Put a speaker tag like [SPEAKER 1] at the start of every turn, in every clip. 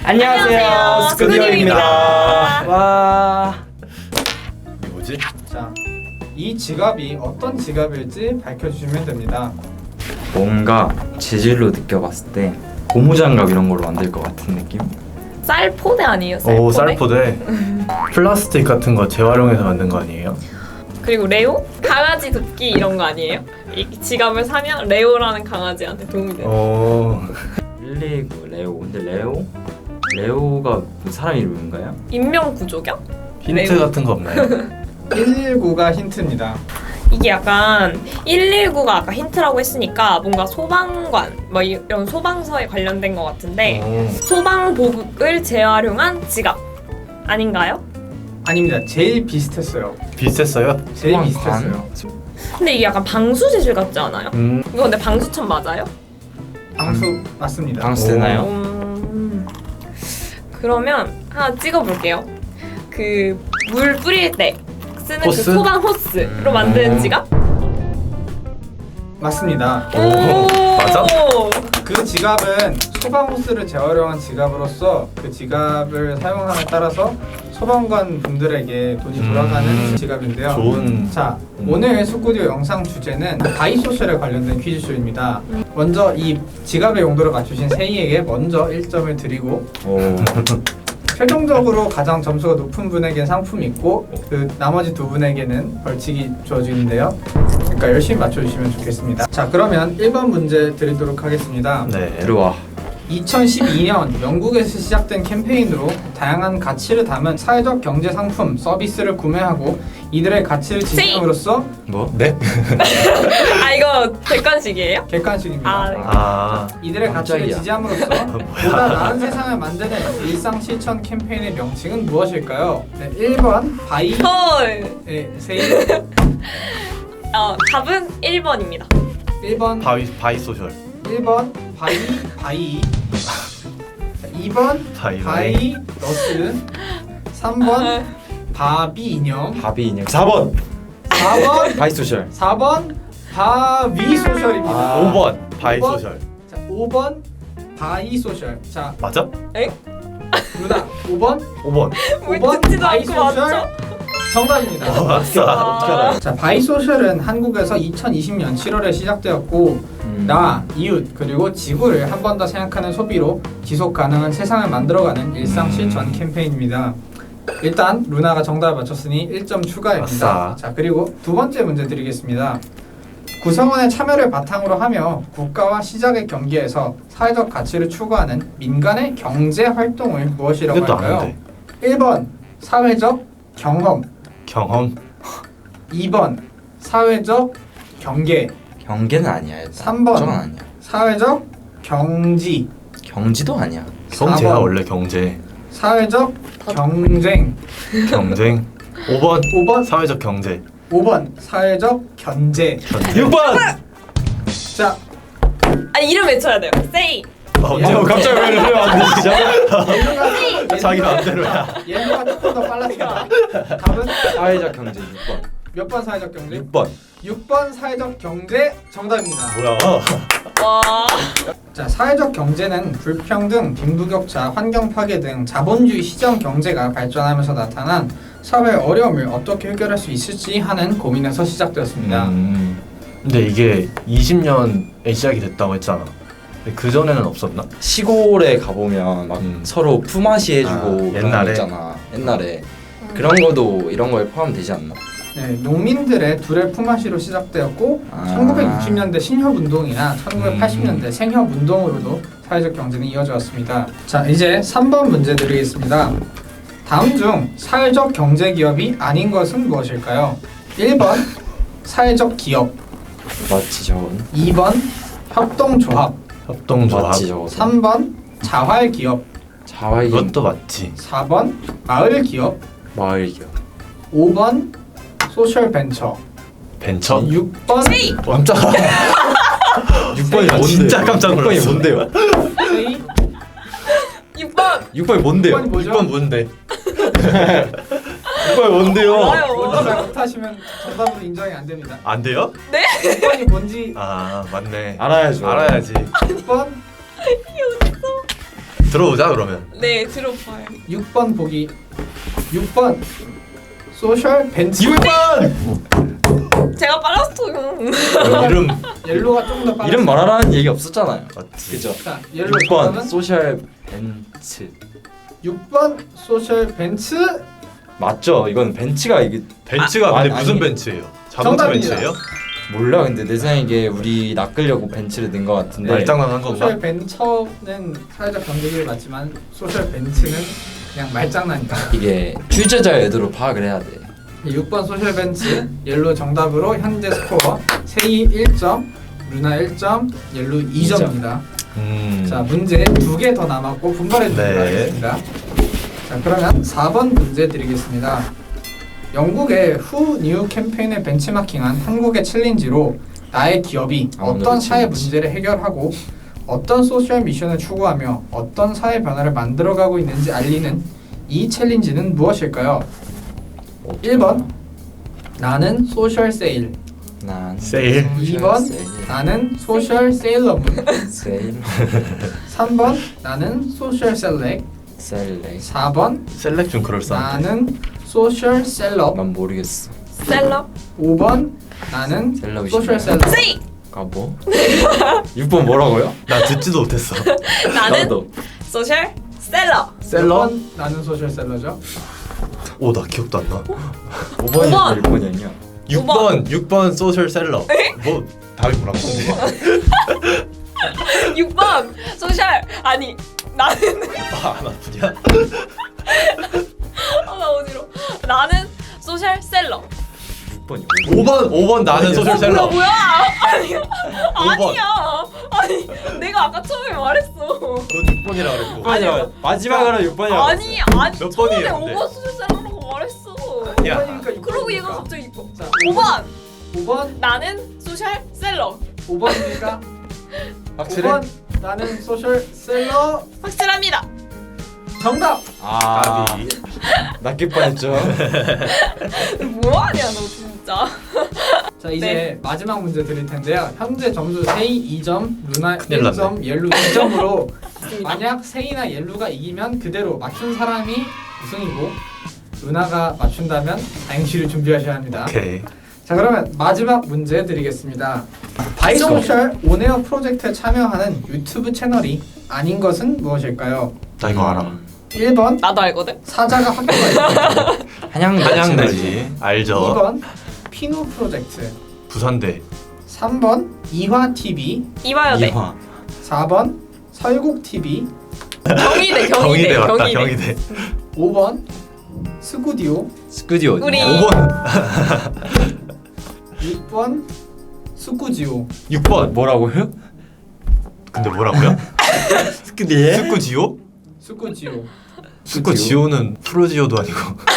[SPEAKER 1] 안녕하세요, 스쿠디오입니다. 와.
[SPEAKER 2] 이게 뭐지?
[SPEAKER 3] 자, 이 지갑이 어떤 지갑일지 밝혀주시면 됩니다.
[SPEAKER 1] 뭔가 재질로 느껴봤을 때 고무장갑 이런 걸로 만들 것 같은 느낌?
[SPEAKER 4] 쌀포대 아니에요? 쌀포대?
[SPEAKER 2] 오, 쌀포대. 플라스틱 같은 거 재활용해서 만든 거 아니에요?
[SPEAKER 4] 그리고 레오? 강아지 돕기 이런 거 아니에요? 이 지갑을 사면 레오라는 강아지한테 도움이 돼요.
[SPEAKER 2] 오.
[SPEAKER 1] 119 레오. 근데 레오가 그 사람 이름인가요?
[SPEAKER 4] 인명 구조경?
[SPEAKER 2] 힌트
[SPEAKER 4] 레오.
[SPEAKER 2] 같은 거 없나요?
[SPEAKER 3] 119가 힌트입니다.
[SPEAKER 4] 이게 약간 119가 아까 힌트라고 했으니까 뭔가 소방관 뭐 이런 소방서에 관련된 것 같은데
[SPEAKER 2] 오.
[SPEAKER 4] 소방복을 재활용한 지갑 아닌가요?
[SPEAKER 3] 아닙니다. 제일 비슷했어요.
[SPEAKER 2] 비슷했어요?
[SPEAKER 3] 제일
[SPEAKER 1] 소방관?
[SPEAKER 3] 비슷했어요.
[SPEAKER 4] 근데 이게 약간 방수 재질 같지 않아요? 이거 근데 방수천 맞아요?
[SPEAKER 3] 방수 맞습니다.
[SPEAKER 1] 방수 되나요?
[SPEAKER 4] 그러면 하나 찍어볼게요. 그 물 뿌릴 때 쓰는
[SPEAKER 2] 호스?
[SPEAKER 4] 그 소방 호스로 만든 지갑?
[SPEAKER 3] 맞습니다.
[SPEAKER 2] 오. 맞아?
[SPEAKER 3] 그 지갑은 소방호스를 재활용한 지갑으로서 그 지갑을 사용함에 따라서 소방관 분들에게 돈이 돌아가는 지갑인데요.
[SPEAKER 2] 좋은.
[SPEAKER 3] 자, 오늘 스쿠디오 영상 주제는 바이소셜에 관련된 퀴즈쇼입니다. 먼저 이 지갑의 용도를 맞추신 세이에게 먼저 1점을 드리고
[SPEAKER 1] 오.
[SPEAKER 3] 최종적으로 가장 점수가 높은 분에게 상품이 있고 그 나머지 두 분에게는 벌칙이 주어지는데요. 그러니까 열심히 맞춰주시면 좋겠습니다. 자, 그러면 1번 문제 드리도록 하겠습니다.
[SPEAKER 2] 네.
[SPEAKER 1] 들어와.
[SPEAKER 3] 2012년 영국에서 시작된 캠페인으로 다양한 가치를 담은 사회적 경제 상품, 서비스를 구매하고 이들의 가치를 지향함으로써
[SPEAKER 1] 뭐?
[SPEAKER 2] 네?
[SPEAKER 4] 아 이거 객관식이에요?
[SPEAKER 3] 객관식입니다.
[SPEAKER 4] 아, 네.
[SPEAKER 2] 아.
[SPEAKER 3] 이들의 가치를
[SPEAKER 1] 깜짝이야.
[SPEAKER 3] 지지함으로써 보다 나은 세상을 만드는 일상 실천 캠페인의 명칭은 무엇일까요? 네, 1번 바이
[SPEAKER 4] 헐.
[SPEAKER 3] 세이,
[SPEAKER 4] 답은 1번입니다.
[SPEAKER 3] 1번
[SPEAKER 2] 바이소셜.
[SPEAKER 3] 1번 바이 자, 2번 바이 너스 3번 바비 인형
[SPEAKER 1] 바비 인형. 4번.
[SPEAKER 3] 4번
[SPEAKER 1] 바이소셜.
[SPEAKER 3] 4번 바위 소셜입니다.
[SPEAKER 1] 아.
[SPEAKER 2] 5번 바이소셜.
[SPEAKER 3] 자, 5번 바이 소셜. 자,
[SPEAKER 2] 맞아?
[SPEAKER 3] 누나 5번
[SPEAKER 2] 5번.
[SPEAKER 4] 왜
[SPEAKER 3] 5번
[SPEAKER 4] 듣지도
[SPEAKER 3] 바이
[SPEAKER 4] 않고
[SPEAKER 3] 소셜
[SPEAKER 4] 맞죠?
[SPEAKER 3] 정답입니다.
[SPEAKER 2] 아싸.
[SPEAKER 1] 어떻게 알아요?
[SPEAKER 3] 자, 바이 소셜은 한국에서 2020년 7월에 시작되었고 나, 이웃, 그리고 지구를 한 번 더 생각하는 소비로 지속 가능한 세상을 만들어가는 일상 실천 캠페인입니다. 일단 루나가 정답을 맞췄으니 1점 추가입니다.
[SPEAKER 2] 아싸.
[SPEAKER 3] 자, 그리고 두 번째 문제 드리겠습니다. 구성원의 참여를 바탕으로 하며 국가와 시장의 경계에서 사회적 가치를 추구하는 민간의 경제 활동을 무엇이라고
[SPEAKER 2] 이것도
[SPEAKER 3] 할까요?
[SPEAKER 2] 아는데.
[SPEAKER 3] 1번 사회적 경험,
[SPEAKER 2] 경험.
[SPEAKER 3] 2번 사회적 경계,
[SPEAKER 1] 경계는 아니야. 일단.
[SPEAKER 3] 3번.
[SPEAKER 1] 저건 아니야.
[SPEAKER 3] 사회적 경지,
[SPEAKER 1] 경지도 아니야.
[SPEAKER 2] 경제가
[SPEAKER 3] 4번.
[SPEAKER 2] 원래 경제.
[SPEAKER 3] 사회적 경쟁,
[SPEAKER 2] 경쟁. 5번
[SPEAKER 3] 5번
[SPEAKER 2] 사회적 경제.
[SPEAKER 3] 5번 사회적 견제.
[SPEAKER 1] 6번.
[SPEAKER 3] 자,
[SPEAKER 4] 아 이름 외쳐야 돼요. Say.
[SPEAKER 2] 갑자기 왜 안 되시죠?
[SPEAKER 3] 옐로가
[SPEAKER 2] 자기 마음대로야.
[SPEAKER 3] 옐로가 조금 더 빨랐습니다. 답은
[SPEAKER 1] 사회적 경제 6번.
[SPEAKER 3] 몇 번 사회적 경제?
[SPEAKER 1] 6번.
[SPEAKER 3] 6번 사회적 경제 정답입니다.
[SPEAKER 2] 뭐야?
[SPEAKER 4] 와.
[SPEAKER 3] 자, 사회적 경제는 불평등, 빈부격차, 환경 파괴 등 자본주의 시장 경제가 발전하면서 나타난 사회 어려움을 어떻게 해결할 수 있을지 하는 고민에서 시작되었습니다.
[SPEAKER 2] 근데 이게 20년에 시작이 됐다고 했잖아. 근데 그 전에는 없었나?
[SPEAKER 1] 시골에 가보면 막 서로 품앗이 해주고
[SPEAKER 2] 아,
[SPEAKER 1] 그런 거
[SPEAKER 2] 옛날에?
[SPEAKER 1] 있잖아. 옛날에 그런 거도 이런 거에 포함되지 않나?
[SPEAKER 3] 네, 농민들의 둘의 품앗이로 시작되었고
[SPEAKER 1] 아.
[SPEAKER 3] 1960년대 신협운동이나 1980년대 생협운동으로도 사회적 경제는 이어져 왔습니다. 자, 이제 3번 문제 드리겠습니다. 다음 중 사회적 경제 기업이 아닌 것은 무엇일까요? 1번 사회적 기업,
[SPEAKER 1] 맞지 저건?
[SPEAKER 3] 2번 협동조합,
[SPEAKER 2] 협동조합.
[SPEAKER 1] 맞지 저거?
[SPEAKER 3] 3번 자활 기업,
[SPEAKER 1] 자활기
[SPEAKER 2] 이것도 맞지.
[SPEAKER 3] 4번 마을 기업,
[SPEAKER 1] 마을 기업.
[SPEAKER 3] 5번 소셜 벤처,
[SPEAKER 2] 벤처?
[SPEAKER 3] 6번
[SPEAKER 2] 깜짝아.
[SPEAKER 1] 6번이 뭔데요?
[SPEAKER 2] 진짜 깜짝 놀랐어.
[SPEAKER 1] 6번이 뭔데요?
[SPEAKER 3] 세이,
[SPEAKER 4] 6번.
[SPEAKER 1] 6번이 뭔데요?
[SPEAKER 3] 6번이 뭐죠?
[SPEAKER 2] 6번 뭔데?
[SPEAKER 1] 6번이 뭔데요?
[SPEAKER 3] 뭔지 잘 못하시면 정답으로 인정이 안 됩니다.
[SPEAKER 2] 안 돼요?
[SPEAKER 3] 6번이 뭔지
[SPEAKER 2] 아 맞네.
[SPEAKER 1] 알아야죠.
[SPEAKER 2] 알아야지.
[SPEAKER 3] 6번
[SPEAKER 2] 들어보자 그러면.
[SPEAKER 4] 네, 들어봐요.
[SPEAKER 3] 6번 보기. 6번 소셜 벤츠.
[SPEAKER 2] 6번!
[SPEAKER 4] 제가 빨랐어요.
[SPEAKER 2] 이름
[SPEAKER 3] 옐로가 좀 더 빨라.
[SPEAKER 1] 이름 말하라는 얘기 없었잖아요.
[SPEAKER 2] 맞지.
[SPEAKER 1] 그죠?
[SPEAKER 3] 자, 옐로
[SPEAKER 1] 6번
[SPEAKER 3] 정답은
[SPEAKER 1] 소셜 벤츠
[SPEAKER 3] 6번 소셜 벤츠.
[SPEAKER 1] 맞죠? 이건 벤츠가 이게
[SPEAKER 2] 벤츠가
[SPEAKER 1] 아,
[SPEAKER 2] 근데
[SPEAKER 1] 아니,
[SPEAKER 2] 무슨
[SPEAKER 1] 아니.
[SPEAKER 2] 벤츠예요? 자동차
[SPEAKER 3] 정답입니다.
[SPEAKER 2] 벤츠예요?
[SPEAKER 1] 몰라. 근데 내 생각에 이게 우리 낚으려고 벤츠를 넣은 것 같은데
[SPEAKER 2] 말장난한 건가?
[SPEAKER 3] 소셜 벤처는 사회적 경제기를 맞지만 소셜 벤츠는 그냥 말장난이다.
[SPEAKER 1] 이게 출제자 의도로 파악을 해야 돼.
[SPEAKER 3] 6번 소셜 벤츠 옐로 정답으로 현재 스코어 세이 1점, 루나 1점, 옐로 2점입니다. 자, 문제 2개 더 남았고 분발해 주시기
[SPEAKER 2] 네.
[SPEAKER 3] 바라겠습니다. 자, 그러면 4번 문제 드리겠습니다. 영국의 후 뉴 캠페인을 벤치마킹한 한국의 챌린지로 나의 기업이 어떤
[SPEAKER 1] 오늘의
[SPEAKER 3] 사회
[SPEAKER 1] 챌린지.
[SPEAKER 3] 문제를 해결하고 어떤 소셜 미션을 추구하며 어떤 사회 변화를 만들어가고 있는지 알리는 이 챌린지는 무엇일까요? 1번 나는 소셜 세일,
[SPEAKER 1] 난
[SPEAKER 2] 세일.
[SPEAKER 3] 2번
[SPEAKER 1] 세일.
[SPEAKER 3] 나는 소셜 세일러문,
[SPEAKER 1] 세일
[SPEAKER 3] 3번 나는 소셜 셀렉,
[SPEAKER 1] 셀렉
[SPEAKER 3] 4번
[SPEAKER 2] 셀렉 좀 그럴싸한데.
[SPEAKER 3] 나는 소셜 셀럽,
[SPEAKER 1] 난 모르겠어.
[SPEAKER 4] 셀럽.
[SPEAKER 3] 5번 나는
[SPEAKER 1] 셀럽이
[SPEAKER 3] 소셜
[SPEAKER 1] 신나요?
[SPEAKER 3] 셀럽.
[SPEAKER 4] 세이.
[SPEAKER 1] 아 뭐? 6번 뭐라고요?
[SPEAKER 2] 나 듣지도 못했어.
[SPEAKER 4] 나는
[SPEAKER 1] 나도.
[SPEAKER 4] 소셜 셀러.
[SPEAKER 2] 셀러?
[SPEAKER 3] 5번 나는 소셜 셀러죠.
[SPEAKER 2] 오, 나 기억도 안 나.
[SPEAKER 1] 5번이 1번이었냐?
[SPEAKER 2] 6번 소셜 셀러. 뭐 답이 뭐라고?
[SPEAKER 4] 6번 소셜 아니 나는
[SPEAKER 2] 안 아프냐?
[SPEAKER 4] 나 어지러. 나는 소셜 셀러.
[SPEAKER 1] 6번이요.
[SPEAKER 2] 5번 나는 소셜 셀러.
[SPEAKER 4] 뭐야? 아니야.
[SPEAKER 2] 5번.
[SPEAKER 4] 아니야. 아니 내가 아까 처음에 말했어.
[SPEAKER 2] 넌 6번이라 그랬고.
[SPEAKER 1] 6번이요. 마지막으로 6번이요.
[SPEAKER 4] 아니
[SPEAKER 2] 몇
[SPEAKER 4] 처음에
[SPEAKER 2] 번이에요, 근데?
[SPEAKER 4] 5번 소셜 셀러라고 말했어.
[SPEAKER 2] 야.
[SPEAKER 3] 5번이니까
[SPEAKER 4] 그러고 얘가 갑자기 이거.
[SPEAKER 3] 자,
[SPEAKER 4] 5번
[SPEAKER 3] 5번
[SPEAKER 4] 나는 소셜 셀러.
[SPEAKER 3] 5번입니까?
[SPEAKER 1] 확실해?
[SPEAKER 3] 5번 나는 소셜 셀러
[SPEAKER 4] 확실합니다.
[SPEAKER 3] 정답.
[SPEAKER 1] 아,
[SPEAKER 2] 답이.
[SPEAKER 1] 낚일 뻔했죠.
[SPEAKER 4] 뭐하냐 너 진짜.
[SPEAKER 3] 자, 이제
[SPEAKER 4] 네.
[SPEAKER 3] 마지막 문제 드릴 텐데요. 현재 점수 세이 2점, 루나
[SPEAKER 2] 큰일
[SPEAKER 3] 1점, 옐루 2점으로 만약 세이나 옐루가 이기면 그대로 맞춘 사람이 우승이고 루나가 맞춘다면 다행시를 준비하셔야 합니다.
[SPEAKER 2] 오케이.
[SPEAKER 3] 자, 그러면 마지막 문제 드리겠습니다. 바이소셜 온에어 프로젝트에 참여하는 유튜브 채널이 아닌 것은 무엇일까요?
[SPEAKER 2] 나 이거 알아.
[SPEAKER 3] 1번
[SPEAKER 4] 나도 알거든.
[SPEAKER 3] 사자가 학교가 있다.
[SPEAKER 2] 한양대지. 알죠.
[SPEAKER 3] 2번 피노 프로젝트,
[SPEAKER 2] 부산대.
[SPEAKER 3] 3번 이화TV,
[SPEAKER 4] 이화여대.
[SPEAKER 1] 이화.
[SPEAKER 3] 4번 설국TV,
[SPEAKER 4] 경희대.
[SPEAKER 2] 맞다. 경희대.
[SPEAKER 3] 5번 스구디오,
[SPEAKER 1] 스튜디오.
[SPEAKER 4] 우리
[SPEAKER 2] 5번.
[SPEAKER 3] 6번 스쿠지오.
[SPEAKER 2] 6번.
[SPEAKER 1] 뭐라고요?
[SPEAKER 2] 근데 뭐라고요?
[SPEAKER 1] 스튜디오?
[SPEAKER 2] 스쿠지오?
[SPEAKER 3] 스쿠지오.
[SPEAKER 2] 스쿠지오는 프로지오도 아니고.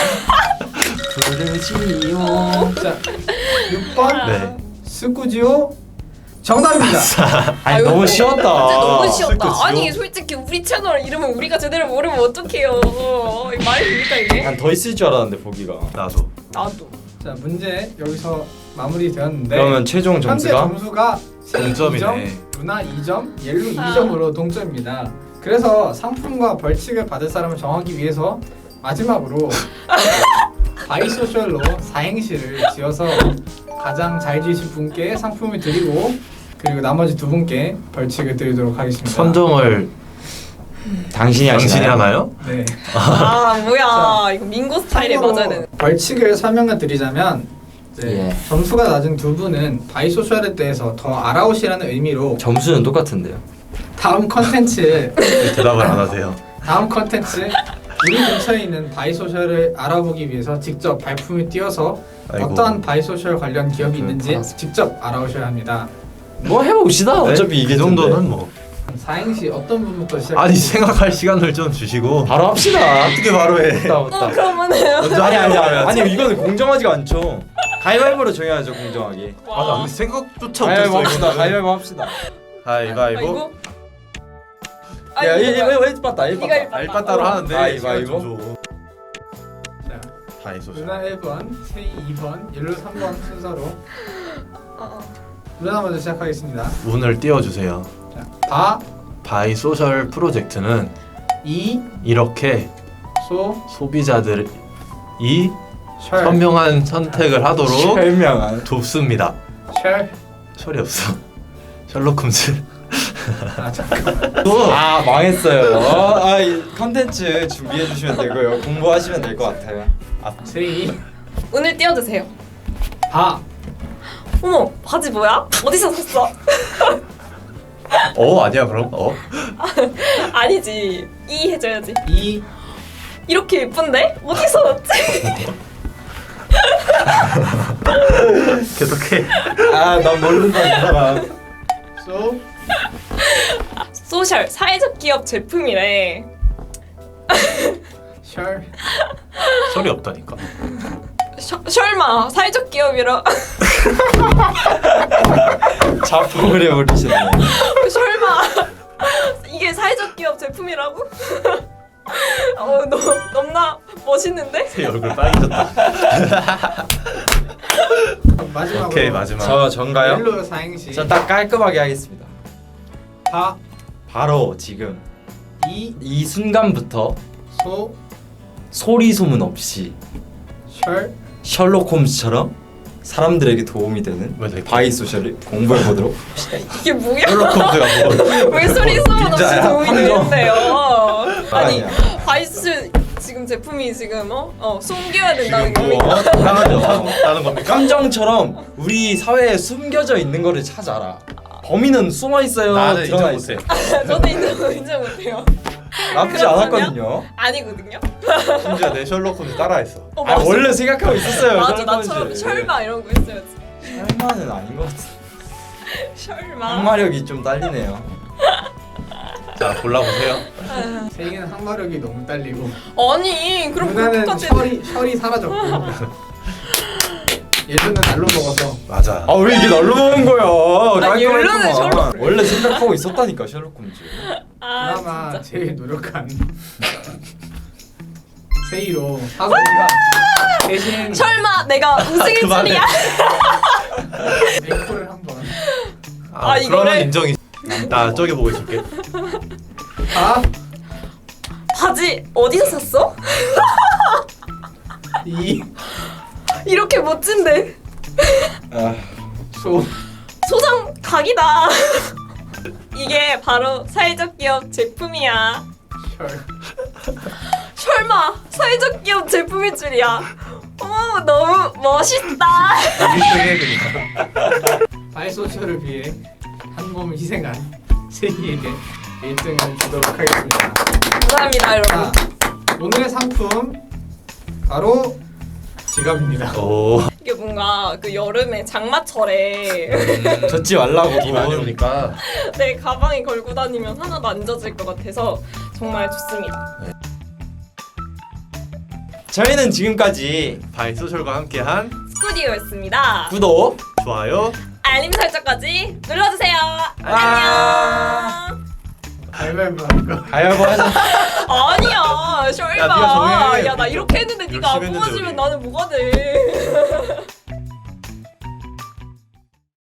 [SPEAKER 1] 프로지오.
[SPEAKER 3] 자, 6번
[SPEAKER 2] 네.
[SPEAKER 3] 스쿠지오 정답입니다.
[SPEAKER 1] 아니
[SPEAKER 4] 아유,
[SPEAKER 1] 너무
[SPEAKER 4] 진짜
[SPEAKER 1] 쉬웠다.
[SPEAKER 4] 너무 쉬웠다.
[SPEAKER 2] 스쿠지오?
[SPEAKER 4] 아니 솔직히 우리 채널 이름을 우리가 제대로 모르면 어떡해요. 이거 말이 됩니까 이게?
[SPEAKER 1] 난 더 있을 줄 알았는데 보기가.
[SPEAKER 2] 나도.
[SPEAKER 4] 나도.
[SPEAKER 3] 자, 문제 여기서 마무리되었는데
[SPEAKER 1] 그러면 최종
[SPEAKER 3] 현재
[SPEAKER 1] 점수가
[SPEAKER 3] 점수가 세이
[SPEAKER 2] 동점이네.
[SPEAKER 3] 2점, 루나 2점, 옐루 2점으로 동점입니다. 그래서 상품과 벌칙을 받을 사람을 정하기 위해서 마지막으로 바이소셜로 사행시를 지어서 가장 잘 지으신 분께 상품을 드리고 그리고 나머지 두 분께 벌칙을 드리도록 하겠습니다.
[SPEAKER 2] 선정을
[SPEAKER 1] 당신이
[SPEAKER 2] 당신이 하나요?
[SPEAKER 3] 네.
[SPEAKER 4] 아 뭐야
[SPEAKER 3] 자,
[SPEAKER 4] 이거 민고 스타일에
[SPEAKER 3] 참고로
[SPEAKER 4] 맞아야 되는.
[SPEAKER 3] 벌칙을 설명을 드리자면 이제
[SPEAKER 1] 예.
[SPEAKER 3] 점수가 낮은 두 분은 바이소셜에 대해서 더 알아오시라는 의미로
[SPEAKER 1] 점수는 똑같은데요.
[SPEAKER 3] 다음 컨텐츠
[SPEAKER 2] 대답을 안 하세요.
[SPEAKER 3] 다음 컨텐츠 우리 근처에 있는 바이소셜을 알아보기 위해서 직접 발품을 띄워서
[SPEAKER 2] 아이고.
[SPEAKER 3] 어떠한 바이소셜 관련 기업이 있는지
[SPEAKER 1] 팔아서.
[SPEAKER 3] 직접 알아오셔야 합니다.
[SPEAKER 1] 뭐 해봅시다. 어차피 이게
[SPEAKER 2] 이 정도는 뭐.
[SPEAKER 3] 사행시 어떤 분부터 시작?
[SPEAKER 2] 아니 생각할 시간을 좀 주시고.
[SPEAKER 1] 바로 합시다.
[SPEAKER 2] 어떻게 바로 해?
[SPEAKER 1] 맞다.
[SPEAKER 4] 그러면은
[SPEAKER 2] 먼저
[SPEAKER 1] 아니
[SPEAKER 2] 하려고 하면.
[SPEAKER 1] 아니 이거는 공정하지가 않죠. 가위바위보로 정해야죠 공정하게.
[SPEAKER 2] 아, 나 근데 생각조차
[SPEAKER 1] 가위바위보
[SPEAKER 2] 못했어.
[SPEAKER 1] 합시다.
[SPEAKER 2] 이거는.
[SPEAKER 1] 가위바위보 합시다.
[SPEAKER 2] 가위바위보.
[SPEAKER 1] 야, 1 봤다. 1
[SPEAKER 4] 네가
[SPEAKER 1] 봤다.
[SPEAKER 4] 일 봤다.
[SPEAKER 2] 알바따로 하는데
[SPEAKER 1] 가위바위보.
[SPEAKER 2] 시간 좀 줘.
[SPEAKER 3] 자,
[SPEAKER 2] 바이소셜.
[SPEAKER 3] 루나 1번, 세이 2번, 옐로 3번 순서로
[SPEAKER 4] 어.
[SPEAKER 3] 루나 먼저 시작하겠습니다.
[SPEAKER 2] 운을 띄워주세요.
[SPEAKER 3] 자,
[SPEAKER 2] 바이소셜 프로젝트는
[SPEAKER 3] 이,
[SPEAKER 2] 이렇게
[SPEAKER 3] 소,
[SPEAKER 2] 소비자들이
[SPEAKER 3] 셜,
[SPEAKER 2] 현명한 선택을 하도록
[SPEAKER 1] 현명한.
[SPEAKER 2] 돕습니다.
[SPEAKER 3] 셜.
[SPEAKER 2] 철이 없어. 셜록 홈즈.
[SPEAKER 3] 아 잠깐만.
[SPEAKER 1] 아 망했어요. 이 컨텐츠 준비해 주시면 되고요. 공부하시면 될 것 같아요.
[SPEAKER 3] 세이,
[SPEAKER 4] 오늘 띄워주세요.
[SPEAKER 3] 바,
[SPEAKER 4] 어머, 바지 뭐야? 어디서 샀어?
[SPEAKER 2] 아니야 그럼?
[SPEAKER 4] 아니지. 이 해줘야지.
[SPEAKER 3] 이,
[SPEAKER 4] 이렇게 예쁜데? 어디서 샀지?
[SPEAKER 2] 계속해.
[SPEAKER 1] 난 모른다 이 사람.
[SPEAKER 3] 소,
[SPEAKER 4] 소셜, 사회적 기업 제품이래.
[SPEAKER 3] 셜.
[SPEAKER 2] 철이 없다니까.
[SPEAKER 4] 설마 사회적 기업이라.
[SPEAKER 1] 자폭을 해버리셨네.
[SPEAKER 4] 설마 이게 사회적 기업 제품이라고? 너무나 멋있는데?
[SPEAKER 2] 새 얼굴 빨개졌다.
[SPEAKER 3] 마지막으로.
[SPEAKER 2] 오케이 마지막.
[SPEAKER 1] 저 전가요?
[SPEAKER 3] 멜로 사행시.
[SPEAKER 1] 전 딱 깔끔하게 하겠습니다.
[SPEAKER 3] 바,
[SPEAKER 1] 바로 지금 이 순간부터
[SPEAKER 3] 소,
[SPEAKER 1] 소리 소문 없이
[SPEAKER 3] 셜.
[SPEAKER 1] 셜록 홈즈처럼 사람들에게 도움이 되는
[SPEAKER 2] 왜 이렇게-
[SPEAKER 1] 바이소셜을 공부해 보도록.
[SPEAKER 4] 이게 뭐야?
[SPEAKER 2] 셜록 홈즈가 뭐?
[SPEAKER 4] 왜 소리 소문 없이
[SPEAKER 1] 빈자야?
[SPEAKER 4] 도움이 되는데요? 아니
[SPEAKER 1] 아니야.
[SPEAKER 4] 바이스 지금 제품이 지금 숨겨야 된다는
[SPEAKER 2] 지금
[SPEAKER 4] 겁니까?
[SPEAKER 2] 당하는 겁니까?
[SPEAKER 1] 깜정처럼 우리 사회에 숨겨져 있는 거를 찾아라. 범인은 숨어 있어요.
[SPEAKER 2] 나는
[SPEAKER 1] 드러나
[SPEAKER 2] 인정 못해.
[SPEAKER 1] 있어요.
[SPEAKER 4] 저도 인정 못해요.
[SPEAKER 1] 나쁘지
[SPEAKER 4] 그렇군요.
[SPEAKER 1] 않았거든요.
[SPEAKER 4] 아니거든요.
[SPEAKER 2] 심지어 내 셜록 홈즈 따라했어.
[SPEAKER 4] 맞아.
[SPEAKER 1] 원래 생각하고 있었어요.
[SPEAKER 4] 맞아,
[SPEAKER 1] 셜록
[SPEAKER 4] 나처럼
[SPEAKER 1] 홈즈.
[SPEAKER 4] 설마 이런 거 있어야지.
[SPEAKER 1] 설마는 아닌 것 같아.
[SPEAKER 4] 설마.
[SPEAKER 1] 항마력이 좀 딸리네요.
[SPEAKER 2] 자 골라보세요.
[SPEAKER 3] 세이는 항마력이 너무 딸리고.
[SPEAKER 4] 아니 그럼
[SPEAKER 3] 누나는
[SPEAKER 4] 그것까지.
[SPEAKER 3] 셜이 사라졌고. 예전은 날로 먹어서.
[SPEAKER 2] 맞아.
[SPEAKER 1] 왜 이게 날로 먹은 거야?
[SPEAKER 4] 아니, 옐로는
[SPEAKER 1] 깔끔했구만.
[SPEAKER 4] 셜록.
[SPEAKER 1] 원래 생각하고 있었다니까 셜록 홈즈.
[SPEAKER 3] 그나마
[SPEAKER 4] 진짜.
[SPEAKER 3] 제일 노력한 세이로 사소리가 대신
[SPEAKER 4] 설마 내가 우승일
[SPEAKER 2] 그만해.
[SPEAKER 4] 줄이야?
[SPEAKER 3] 앵콜을 한번.
[SPEAKER 4] 아, 이거를-
[SPEAKER 2] 그러면 인정이. 나 저기 보고 있을게.
[SPEAKER 3] 바,
[SPEAKER 4] 바지 어디서 샀어?
[SPEAKER 3] 이,
[SPEAKER 4] 이렇게 멋진데
[SPEAKER 3] 소,
[SPEAKER 4] 소장 각이다. 이게 바로 사회적 기업 제품이야.
[SPEAKER 3] 셜.
[SPEAKER 4] 설마 사회적 기업 제품일 줄이야. 어머 너무 멋있다.
[SPEAKER 2] 1등해 그니까.
[SPEAKER 3] 바이소셜을 위해 한 몸을 희생한 세이에게 1등을 주도록 하겠습니다.
[SPEAKER 4] 감사합니다 여러분.
[SPEAKER 3] 자, 오늘의 상품 바로 지갑입니다.
[SPEAKER 2] 오.
[SPEAKER 4] 이게 뭔가 그 여름에 장마철에
[SPEAKER 1] 젖지 말라고
[SPEAKER 2] 비 많이 오니까.
[SPEAKER 4] 내 가방에 걸고 다니면 하나도 안 젖을 것 같아서 정말 좋습니다.
[SPEAKER 1] 저희는 지금까지
[SPEAKER 2] 바이소셜과 함께한
[SPEAKER 4] 스튜디오였습니다.
[SPEAKER 1] 구독,
[SPEAKER 2] 좋아요.
[SPEAKER 4] 알림 설정까지 눌러주세요.
[SPEAKER 1] 아.
[SPEAKER 4] 안녕.
[SPEAKER 3] 가위바위보 할까?
[SPEAKER 1] 가위바위보 하자.
[SPEAKER 4] 아니야, 셜마.
[SPEAKER 2] 야, 네가 정해.
[SPEAKER 4] 야, 나 이렇게 했는데 네가 안
[SPEAKER 2] 열심히 했는데,
[SPEAKER 4] 뽑아주면
[SPEAKER 2] 우리.
[SPEAKER 4] 나는 뭐가 돼?